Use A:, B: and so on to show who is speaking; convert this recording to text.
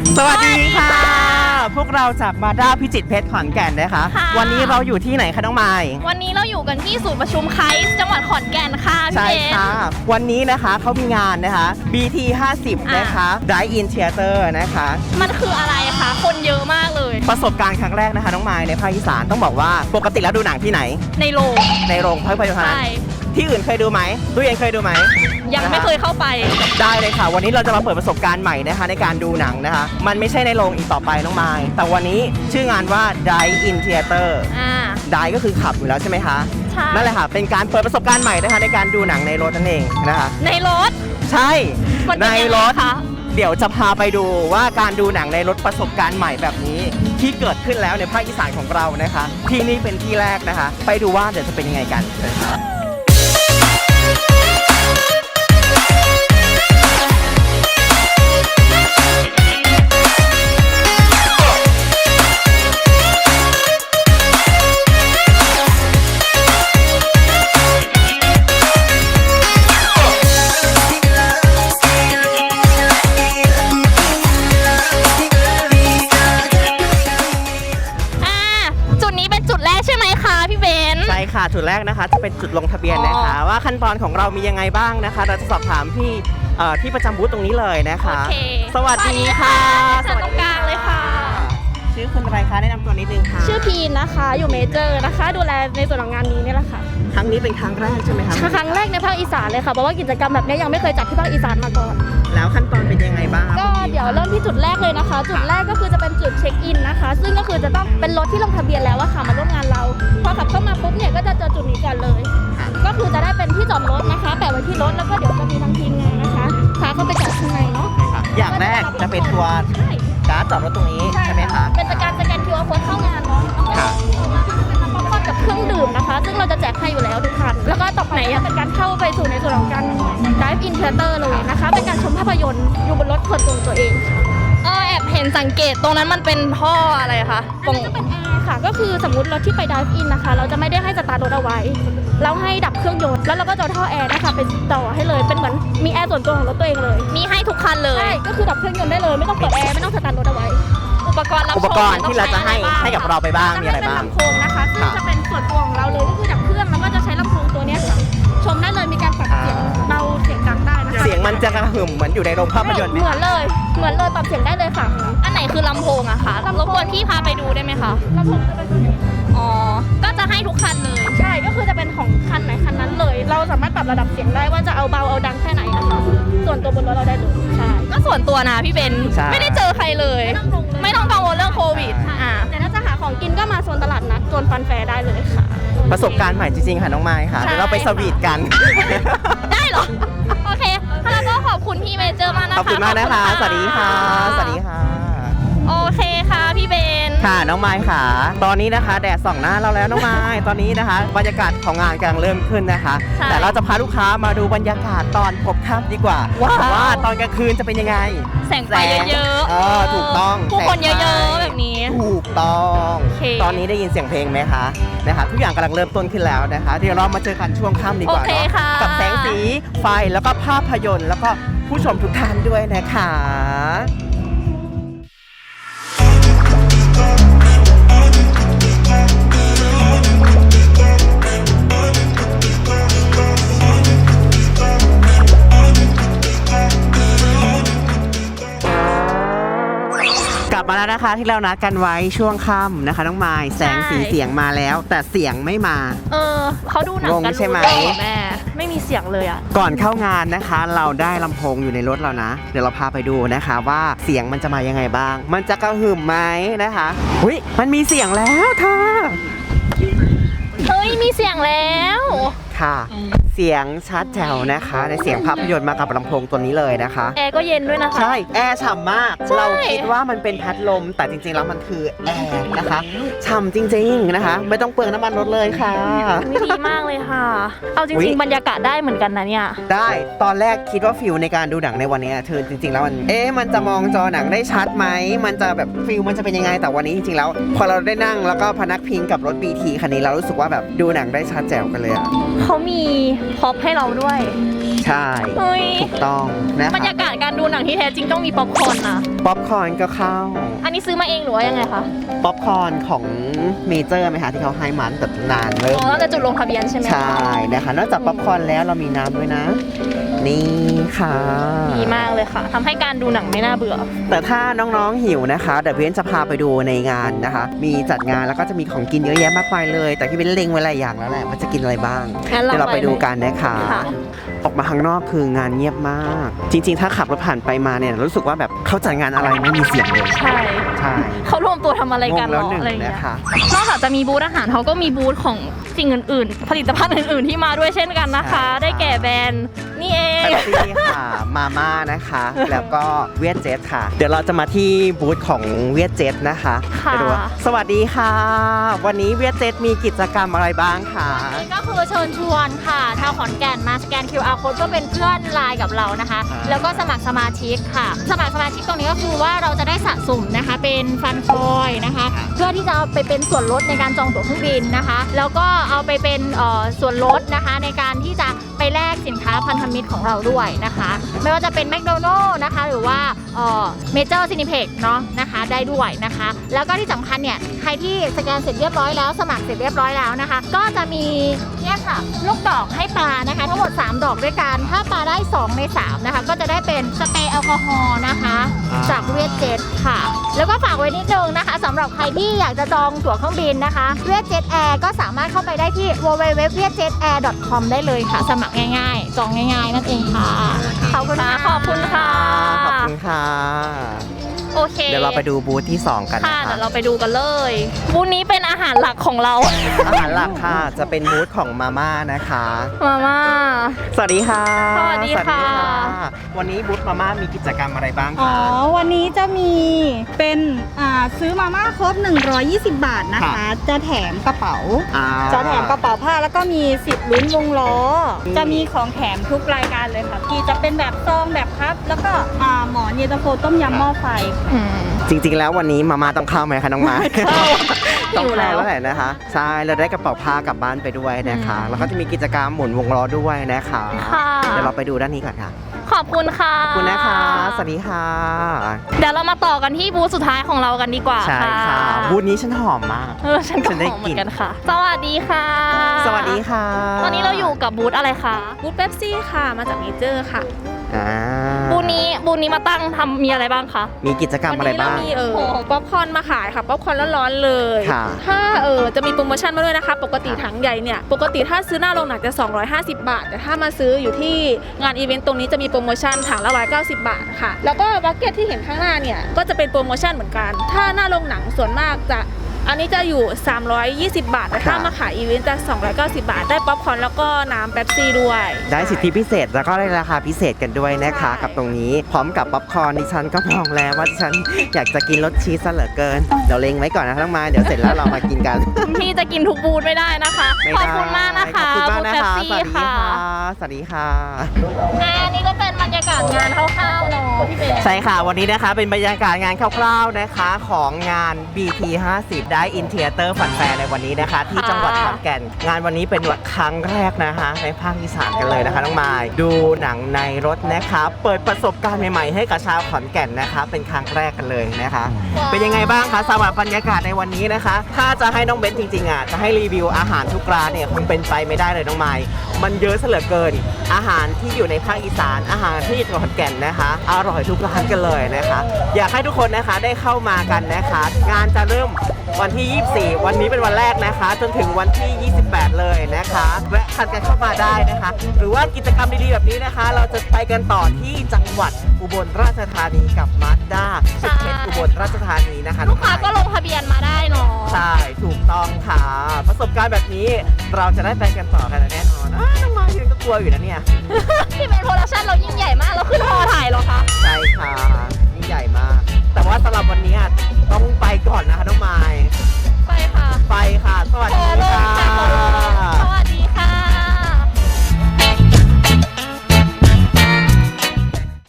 A: สวัสดีค่ะพวกเราจากมาด้าพิจิตรเพชรขอนแก่นนะคะวันนี้เราอยู่ที่ไหนคะน้องไมค์
B: วันนี้เราอยู่กันที่ศูนย์ประชุมไคส์จังหวัดขอนแก่นค่ะพี่
A: ใช่
B: เบน
A: ค่ะวันนี้นะคะเขามีงานนะคะ BT 50นะคะ Drive In Theater นะคะ
B: มันคืออะไรคะคนเยอะมากเลย
A: ประสบการณ์ครั้งแรกนะคะน้องไมค์ในภาคอีสานต้องบอกว่าปกติแล้วดูหนังที่ไหน
B: ในโรง
A: ภาพยนตร์เท่านั้น
B: ใช่
A: ที่อื่นเคยดูไหมตู้เย็นเคยดูไหม
B: ยังไม่เคยเข้าไป
A: ได้เลยค่ะวันนี้เราจะมาเปิดประสบการณ์ใหม่นะคะในการดูหนังนะคะมันไม่ใช่ในโรงอีกต่อไปน้องไมค์แต่วันนี้ชื่องานว่า Drive In Theater Drive ก็คือขับอยู่แล้วใช่ไหมคะ
B: ใช่
A: นั่นแหละค่ะเป็นการเปิดประสบการณ์ใหม่นะคะในการดูหนังในรถนั่นเองนะคะ
B: ในรถ
A: ใช่ในรถ
B: คะ
A: เดี๋ยวจะพาไปดูว่าการดูหนังในรถประสบการณ์ใหม่แบบนี้ที่เกิดขึ้นแล้วในภาคอีสานของเรานะคะที่นี่เป็นที่แรกนะคะไปดูว่าเดี๋ยวจะเป็นยังไงกันใช่ค่ะจุดแรกนะคะจะเป็นจุดลงทะเบียนนะคะว่าขั้นตอนของเรามียังไงบ้างนะคะเราจะสอบถามที่ประจำบูธตรงนี้เลยนะคะสวัสดีค่ะ
B: สวัสดีค่ะตรงกลางเลยค่ะ
A: ชื่อคุณอะไรคะแนะนำตัวนิดนึงค่ะ
B: ชื่อพีนนะคะอยู่เมเจอร์นะคะดูแลในส่วนของงานนี้นี่แหละค่ะ
A: ครั้งนี้เป็นครั้งแรกใช่ไหมคะ
B: ครั้งแรกในภาคอีสานเลยค่ะเพราะว่ากิจกรรมแบบนี้ยังไม่เคยจัดที่ภาคอีสานมาก่อน
A: แล้วขั้นตอนเป็นยังไงบ้าง
B: ก็เดี๋ยวเริ่มที่จุดแรกเลยนะคะจุดแรกก็คือจะเป็นจุดเช็คอินนะคะซึ่งก็คือจะต้องเป็นรถที่ลงทะเบียนแล้วว่าค่ะมาร่วมงานเราพอขับเข้ามาปุ๊บเนี่ยก็จะเจอจุดนี้ก่อนเลยก็คือจะได้เป็นที่จอดรถนะคะแปะไว้ที่รถแล้วก็เดี๋ยวจะมีทางทีมงานนะคะพาเข้าไปจอดข้างในเนาะ
A: อย่างแรกจะเป็นตัวการ์ดจอดรถตรงนี้ใช่ไหมคะ
B: เป็นการสแกน QR Code เข้างานเนาะป๊อปคอร์นกับเครื่องดื่มนะคะซึ่งเราจะแจกให้อยู่แล้วทุกคันแล้วก็ต่อไปเป็นการเข้าไปสู่ในส่วนของการ Drive In Theater เลยนะคะเป็นการชมภาพยนตร์อยู่บนรถส่วนตัวตัวเองแอบเห็นสังเกตตรงนั้นมันเป็นท่ออะไรคะ
C: อันนั้นก็เป็นแอร์ค่ะก็คือสมมติรถที่ไป Drive In นะคะเราจะไม่ได้ให้สตาร์ทรถเอาไว้เราให้ดับเครื่องยนต์แล้วเราก็จะท่อแอร์นะคะไปต่อให้เลยเป็นเหมือนมีแอร์ส่วนตัวของรถตัวเองเลย
B: มีให้ทุกคันเลย
C: ใช่ก็คือดับเครื่องยนต์ได้เลยไม่ต้องเปิดแอร์ไม่ต้องสตาร์ทรถเอาไว้
B: อุปกรณ์
A: ที่เราจะให้กับเราไปบ้างมีอะไรบ้าง
C: ลำโพงนะคะซึ่งจะเป็นส่วนตัวของเราเลยก็คือดับเครื่องแล้วก็จะใช้ลำโพงตัวนี้ค่ะชมได้เลยมีการปรับเสียงเบาเสียงดังได้นะคะ
A: เสียงมันจะกระหึ่มเหมือนอยู่ในโรงภาพยนตร์
C: เหมือนเลยปรับเสียงได้เลยค่ะ
B: อันไหนคือลำโพงอะคะรบกวนพี่พาไปดูได้ไหมคะ
C: ลำโพงจะเป็นตัวนี้
B: ก็จะให้ทุกคันเลย
C: ใช่ก็คือจะเป็นของคันไหนคันนั้นเลยเราสามารถปรับระดับเสียงได้ว่าจะเอาเบาเอาดังแค่ไหนนะคะส่วนตัวบนรถเราได้เลยใช่
B: ก็ส่วนตัวนะพี่เบนไม่ได้เจอใครเลยไม่ต้องกังวลเรื่องโควิด
C: แต่ถ้าจะหาของกินก็มาโซนตลาดนัดโซนฟันแฟร์ได้เลยค่ะ
A: ประสบการณ์ใหม่จริงๆค่ะน้องไม้ค่ะเดี๋ยวเราไปสวีทกัน
B: ได้เหรอโอเคแล้วก็ขอบคุณพี่เมเจอร์มากนะคะ
A: ขอบคุณมากนะคะสวัสดีค่ะสวัสดีค่ะ
B: โอเคค่ะพี่เบน
A: ค่ะน้องไม้ค่ะตอนนี้นะคะแดดส่องหน้าเราแล้วน้องไม้ตอนนี้นะคะบรรยากาศของงานกำลังเริ่มขึ้นนะคะแต่เราจะพาลูกค้ามาดูบรรยากาศตอนพบค่ำดีกว่าว่าตอนกลางคืนจะเป็นยังไง
B: แสงไฟเยอะ
A: ๆถูกต้อง
B: ผู้คนเยอะๆแบบนี้
A: ถูกต้องตอนนี้ได้ยินเสียงเพลงไหมคะนะคะทุกอย่างกำลังเริ่มต้นขึ้นแล้วนะคะเดี๋ยวเรามาเจอกันช่วงค่ำดีกว่ากับแสงสีไฟแล้วก็ภาพยนตร์แล้วก็ผู้ชมทุกท่านด้วยนะคะกลับมาแล้วนะคะที่เรานัดกันไว้ช่วงค่ำนะคะน้องไม้แสงสีเสียงมาแล้วแต่เสียงไม่มา
B: เขาดูหนังกัน
A: ใช่ไหม
B: แม่ไม่มีเสียงเลยอ่ะ
A: ก่อนเข้างานนะคะเราได้ลำโพงอยู่ในรถเรานะเดี๋ยวเราพาไปดูนะคะว่าเสียงมันจะมายังไงบ้างมันจะกระหึ่มไหมนะคะอุ๊ยมันมีเสียงแล้วเธอ
B: เฮ้ยมีเสียงแล้ว
A: ค่ะเสียงชัดแจ๋วนะคะในเสียงภาพยนตร์มากับลำโพงตัวนี้เลยนะคะ
B: แอร์ก็เย็นด้วยนะคะ
A: ใช่แอร์ฉ่ำมากเราคิดว่ามันเป็นพัดลมแต่จริงๆแล้วมันคือแอร์นะคะฉ่ำจริงๆนะคะไม่ต้องเปลืองน้ำมันรถเลยค่ะ
B: ดีมากเลยค่ะเอาจริงๆบรรยากาศได้เหมือนกันนะเนี่ย
A: ได้ตอนแรกคิดว่าฟิลในการดูหนังในวันนี้เธอจริงๆแล้วมันจะมองจอหนังได้ชัดไหมมันจะแบบฟิลมันจะเป็นยังไงแต่วันนี้จริงๆแล้วพอเราได้นั่งแล้วก็พนักพิงกับรถ BT คันนี้เรารู้สึกว่าแบบดูหนังได้ชัดแจ๋วกันเลยอ่ะ
B: เขามี
C: พ็อปให้เราด้วย
A: ใช่
C: เฮ้ย
A: ถูกต้องนะ
C: บรร
A: คะ
C: ยากาศการดูหนังที่แท้จริงต้องมีป๊อปคอร์นนะ
A: ป๊อปคอร์นก็เข้า
C: อันนี้ซื้อมาเองหรือว่ายังไงคะ
A: ป๊อปคอร์นของเมเจอร์ไหมคะที่เขาให้มันแบบนานเลย
C: อ๋อแล้วจะจุดลงทะเบียนใช่ไหมคะ
A: ใช่นะคะนอกจากป๊อปคอร์นแล้วเรามีน้ำด้วยนะ นี่ค่ะ
C: ดีมากเลยค่ะทำให้การดูหนังไม่น่าเบื่อ
A: แต่ถ้าน้องๆหิวนะคะเดี๋ยวพี่เบนจะพาไปดูในงานนะคะ มีจัดงานแล้วก็จะมีของกินเยอะแยะมากมายเลย แต่พี่เบนเล็งไว้หลายอย่างแล้วแหละว่าจะกินอะไรบ้าง
C: งั้น
A: เดี๋ยวเราไปดู
C: ไหม
A: กันนะคะ
C: ค่ะ
A: ออกมาข้างนอกคืองานเงียบมาก จริง ๆ ถ้าขับรถผ่านไปมาเนี่ยรู้สึกว่าแบบเขาจัดงานอะไรไม่มีเสียงเลย
C: ใช่
A: ใช่
C: เขารวมตัวทำอะไรกัน
A: งง
C: หร
A: แล้ว
C: อ
A: หนึ่ง
C: อะไรอย่างเงี้ย
A: นะคะ
C: นอกจากจะมีบูธอาหารเขาก็มีบูธของสิ่งอื่นๆ ผลิตภัณฑ์อื่นๆที่มาด้วยเช่นกันนะคะ
A: ใช่ค่ะ
C: ได้แก่แบรนด์นี่เอง
A: แป๊บซี่ค่ะมาม่านะคะ แล้วก็เวียดเจ็ตค่ะ เดี๋ยวเราจะมาที่บูธของเวียดเจ็ตนะคะ
C: ค่ะ
A: ไปดูว่าสวัสดีค่ะ วันนี้เวียดเจ็ตมีกิจกรรมอะไรบ้างคะ
C: ก็คือเชิญชวนค่ะชาวขอนแก่นมาสแกน QR code ก็เป็นเพื่อนไลน์กับเรานะคะ แล้วก็สมัครสมาชิกค่ะ สมัครสมาชิกตรงนี้ก็คือว่าเราจะได้สะสมนะคะเป็นฟันคอยนะคะ เพื่อที่จะเอาไปเป็นส่วนลดในการจองตั๋วเครื่องบินนะคะ แล้วก็เอาไปเป็นส่วนลดนะคะในการที่จะไปแลกสินค้าพันธมิตรของเราด้วยนะคะ ไม่ว่าจะเป็นแมคโดนัลล์นะคะหรือว่าเมเจอร์ซินิเพ็กเนาะนะคะได้ด้วยนะคะ แล้วก็ที่สำคัญเนี่ยใครที่สแกนเสร็จเรียบร้อยแล้วสมัครเสร็จเรียบร้อยแล้วนะคะ ก็จะมีเนี่ยค่ะลูกดอกให้ปลานะคะทั้งหมด3ดอกด้วยกันถ้าปลาได้2ใน3นะคะก็จะได้เป็นสเปรย์แอลกอฮอล์นะคะจากเวียดเจ็ตค่ะ แล้วก็ฝากไว้นิดนึงนะคะสำหรับใครที่อยากจะจองตั๋วเครื่องบินนะคะเวียดเจ็ตแอร์ก็สามารถเข้าไปได้ที่ www.vietjetair.com ได้เลยค่ะ สมัครง่ายๆจองง่ายๆนั่นเองค่ะขอบคุณค่ะขอบคุณค่ะ
A: ขอบคุณค่ะ
C: โอเค
A: เดี๋ยวเราไปดูบูธที่ 2 กัน
C: ค่ะ
A: นะ
C: เดี๋
A: คะ
C: ยวเราไปดูกันเลยบูธนี้เป็นอาหารหลักของเรา
A: อาหารหลักค่ะจะเป็นบูธของมาม่านะคะ
C: มาม่า
A: สวัสดีค่ะ
C: สวัสดีค่ะ
A: วันนี้บูธมาม่ามีกิจกรรมอะไรบ้าง
D: อ๋อ
A: คะ
D: วันนี้จะมีเป็นซื้อมาม่าครบ 120 บาทนะคะ จะแถมกระเป๋า
A: อ่า
D: จะแถมกระเป๋าผ้าแล้วก็มีสิทธิ์ลุ้นวงล้อ
A: อืม
D: จะมีของแถมทุกรายการเลยค่ะพี่จะเป็นแบบซองแบบพับ แล้วก็หมอนเย็นตาโฟต้มยำหม้อไฟ
A: จริงๆ แล้ววันนี้มาม่าต้องเข้าไหมคะน้องไม้ ต้อง
C: หิวแล้
A: เข้าว แล้วแหละนะคะ ใช่เราได้กระเป๋าผ้ากลับบ้านไปด้วยนะคะ แล้วก็จะมีกิจกรรมหมุนวงล้อด้วยนะคะ
C: ค่ะ
A: เดี๋ยวเราไปดูด้านนี้ก่อนค่ะ
C: ขอบคุณค่ะ
A: ขอบคุณนะคะ สวัสดีค่ะ
C: เดี๋ยวเรามาต่อกันที่บูธสุดท้ายของเรากันดีกว่า
A: ใช่ค่ะ บูธนี้ฉันหอมมาก
C: ฉันก็
A: ฉันได้
C: หอมเหมื
A: กลิ่
C: อน นกันค่ะ สวัสดีค่ะ
A: สวัสดีค่ะ
C: ตอนนี้เราอยู่กับบูธอะไรคะ
E: บูธเป๊ปซี่ค่ะ มาจากเมเจอร์ค่ะ
A: อ่า
C: บูธนี้มาตั้งทำมีอะไรบ้างคะ
A: มีกิจกรรมอะไรบ้าง
E: วันนี้เรามีป๊อปคอร์นมาขายค่ะ ป๊อปคอร์นร้อนๆเลย
A: ค่ะ
E: ถ้าจะมีโปรโมชั่นมาด้วยนะคะ ปกติถังใหญ่เนี่ย ปกติถ้าซื้อหน้าโรงหนังจะ 250 บาท แต่ถ้ามาซื้ออยู่ที่งานอีเวนต์ตรงนี้จะมีโปรโมชั่นถังละ190 บาทค่ะ แล้วก็บัคเก็ตที่เห็นข้างหน้าเนี่ย ก็จะเป็นโปรโมชั่นเหมือนกัน ถ้าหน้าโรงหนังส่วนมากจะ อันนี้จะอยู่ 320 บาท แต่ถ้า
A: ค่ะ
E: มาขายอีเวนต์จะ 290 บาท ได้ป๊อปคอร์นแล้วก็น้ำเป๊ปซี่ด้วย
A: ได้สิทธิพิเศษแล้วก็ได้ราคาพิเศษกันด้วยนะคะ
E: ใช่
A: กับตรงนี้พร้อมกับป๊อปคอร์นดิฉันก็มองแล้วว่าดิฉันอยากจะกินรสชีสซะเหลือเกินเดี๋ยวเล็งไว้ก่อนนะทั้องไม้เดี๋ยวเสร็จแล้วเรามากินกัน
C: พี่จะกินทุกบูธไม่ได้นะคะ
A: ไม่
C: ขอบ
A: ได้
C: คุณมากนะคะ
A: ขอบคุณมากนะคะ
C: บูธ
A: ส
C: เป๊ป
A: วัสดี
C: ซี่
A: ค่ะ
C: ค่ะ
A: สวัสดีค่ะ
C: อันนี้ก็เป็นบรรยากาศงานคร่าวๆเนาะพี่เบน
A: ใช่ค่ะวันนี้นะคะเป็นบรรยากาศงานคร่าวๆนะคะของงาน BT 50 ได้อินเทอร์เตอร์ฟันแฟร์ในวันนี้นะคะ ที่จังหวัดขอนแก่น งานวันนี้เป็นครั้งแรกนะคะในภาคอีสานกันเลยนะคะน้องมายดูหนังในรถนะคะเปิดประสบการณ์ใหม่ๆให้กับชาวขอนแก่นนะคะเป็นครั้งแรกกันเลยนะคะ เป็นยังไงบ้างคะสำหรับบรรยากาศในวันนี้นะคะ ถ้าจะให้น้องเบนจริงๆอ่ะจะให้รีวิวอาหารทุกร้านเนี่ยคงเป็นไปไม่ได้เลยน้องไม้มันเยอะซะเหลือเกิน อาหารที่อยู่ในภาคอีสานอาหารที่จังหวัดขอนแก่นนะคะอร่อยทุกร้านกันเลยนะคะ อยากให้ทุกคนนะคะได้เข้ามากันนะคะ งานจะเริ่มวันที่ 24 วันนี้เป็นวันแรกนะคะ จนถึงวันที่ 28 เลยนะคะแวะคันกันเข้ามาได้นะคะ หรือว่ากิจกรรมดีๆแบบนี้นะคะ เราจะไปกันต่อที่จังหวัดอุบลราชธานีกับมาสด้าสุดเพชรอุบลราชธานีนะคะ
C: ลูกค้าก็ลงทะเบียนมาได้เนาะ
A: ใช่ถูกต้องค่ะ ประสบการณ์แบบนี้เราจะได้ไปกันต่อกันแน่นอนน้องมายืนก็กลัวอยู่นะเนี่ย
C: พี่เบนโปรดักชั่นเรายิ่งใหญ่มากเราขึ้นฮอถ่ายเหรอคะ
A: ใช่ค่ะนี่ใหญ่มาก แต่ว่าสำหรับวันนี้